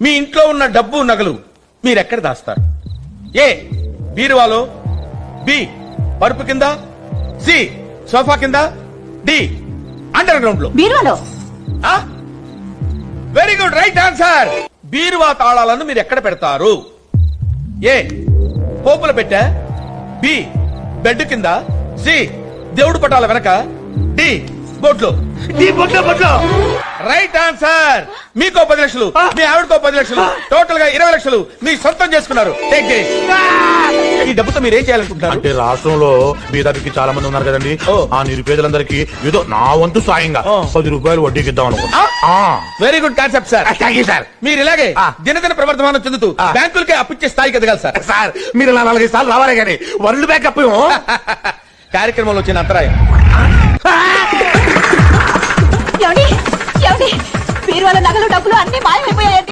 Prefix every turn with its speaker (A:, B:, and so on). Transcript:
A: మీ ఇంట్లో ఉన్న డబ్బు నగలు మీరెక్కడ దాస్తారు? ఏ బీరువాలో, బి పరుపు కింద, సి సోఫా కింద, డి అండర్ గ్రౌండ్ లో.
B: బీరువాలో.
A: Very good, right answer. బీరువా తాళాలను మీరు ఎక్కడ పెడతారు? ఏ పోపుల పెట్టా, బి బెడ్ కింద, సి దేవుడు పటాల వెనక, డి బొట్లో. Right answer. మీకో 10 లక్షలు, మీ ఆవిడకో 10 లక్షలు, టోటల్ గా 20 లక్షలు మీ సొంతం చేసుకున్నారు. Take this. ఈ డబ్బుతో మీరు ఏం చేయాలనుకుంటున్నారు?
C: అంటే రాష్ట్రంలో బీదరికి చాలా మంది ఉన్నారు కదండి, ఆ నిరుపేదలందరికీ ఏదో నా వంతు సాయంగా 10 రూపాయలు వడ్డీకి ఇద్దాం అనుకుంటా.
A: Very good concept sir.
C: Thank you sir.
A: మీరు ఇలాగే దినదిన ప్రవర్తమానం చెందుతూ బ్యాంకులకే అప్పిచ్చే స్థాయికి ఎదగాలి సార్.
C: సార్ మీరు 4 సార్లు రావాలి కానీ వరల్డ్ బ్యాంక్ అప్పు
A: కార్యక్రమంలో వచ్చిన అంతరాయం.
B: బీరువాల నగలు డబ్బులు అన్ని మాయమైపోయాయండి.